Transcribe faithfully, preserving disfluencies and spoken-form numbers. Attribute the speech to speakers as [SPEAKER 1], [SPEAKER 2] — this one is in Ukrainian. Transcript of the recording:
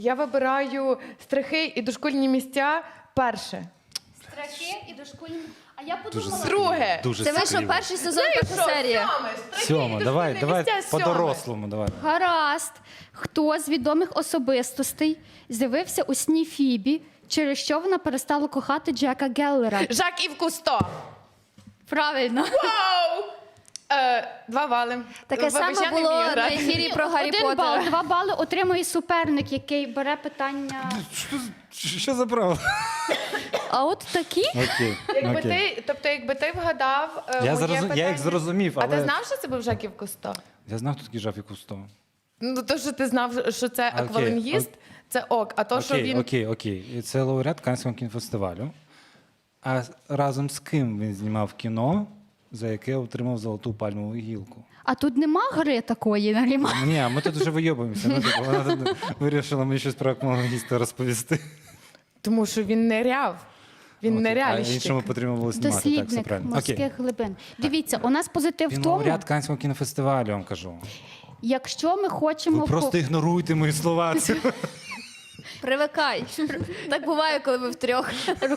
[SPEAKER 1] Я вибираю страхи і дошкільні місця перше.
[SPEAKER 2] Страхи і дошкільні. А я
[SPEAKER 3] Дуже
[SPEAKER 2] подумала...
[SPEAKER 1] Друге.
[SPEAKER 3] Дуже
[SPEAKER 2] Це вийшов
[SPEAKER 3] стрімно.
[SPEAKER 2] перший сезон,
[SPEAKER 1] Знаєш
[SPEAKER 2] перша
[SPEAKER 1] що?
[SPEAKER 2] серія.
[SPEAKER 1] Сьоме, страхи і
[SPEAKER 3] Сьома,
[SPEAKER 1] дошкільні
[SPEAKER 3] давай, давай
[SPEAKER 1] місця, сьоме.
[SPEAKER 3] по-дорослому, давай.
[SPEAKER 2] Гаразд. Хто з відомих особистостей з'явився у сні Фібі, через що вона перестала кохати Джека Геллера?
[SPEAKER 1] Жак Ів Кусто.
[SPEAKER 2] Правильно.
[SPEAKER 1] Вау! Е, два бали.
[SPEAKER 4] Таке
[SPEAKER 1] Вибач,
[SPEAKER 4] саме
[SPEAKER 1] я не
[SPEAKER 4] було
[SPEAKER 1] вмію
[SPEAKER 4] на
[SPEAKER 1] грати.
[SPEAKER 4] ефірі про Гаррі
[SPEAKER 2] Один
[SPEAKER 4] Поттера.
[SPEAKER 2] бал, два бали отримує суперник, який бере питання.
[SPEAKER 3] Що, що за право?
[SPEAKER 4] А от такі?
[SPEAKER 3] Окей,
[SPEAKER 1] Якби
[SPEAKER 3] окей.
[SPEAKER 1] ти, тобто, якби ти вгадав е,
[SPEAKER 3] Я,
[SPEAKER 1] моє
[SPEAKER 3] зрозум...
[SPEAKER 1] питання...
[SPEAKER 3] я їх зрозумів,
[SPEAKER 1] А
[SPEAKER 3] але...
[SPEAKER 1] ти знав, що це був Жак Ів Кусто?
[SPEAKER 3] Я знав, хто такий Жак Ів Кусто.
[SPEAKER 1] Ну, то, що ти знав, що це
[SPEAKER 3] Окей,
[SPEAKER 1] аквалангіст,
[SPEAKER 3] ок-
[SPEAKER 1] це ок. А то, що
[SPEAKER 3] Окей,
[SPEAKER 1] він...
[SPEAKER 3] окей, окей. І це лауреат Каннського кінофестивалю. А разом з ким він знімав кіно, за яке отримав золоту пальмову гілку?
[SPEAKER 2] А тут нема гри такої, Наріма.
[SPEAKER 3] Ні, а ми тут вже вийобуємося. Ну, типу, вона тут вирішила мені щось про аквалангіста розповісти.
[SPEAKER 1] Тому що він неряв. Він
[SPEAKER 3] Окей,
[SPEAKER 1] неряльщик.
[SPEAKER 3] А іншому потрібно було знімати. Так, все
[SPEAKER 2] Дослідник
[SPEAKER 3] правильно. Окей.
[SPEAKER 2] морських глибин. Дивіться, у нас позитив в
[SPEAKER 3] Він
[SPEAKER 2] тому,
[SPEAKER 3] лауреат Каннського кінофестивалю, я вам кажу.
[SPEAKER 2] якщо ми хочемо...
[SPEAKER 3] Ви просто
[SPEAKER 2] по-
[SPEAKER 3] ігноруйте мої слова.
[SPEAKER 4] Привикай. Так буває, коли ви втрьох.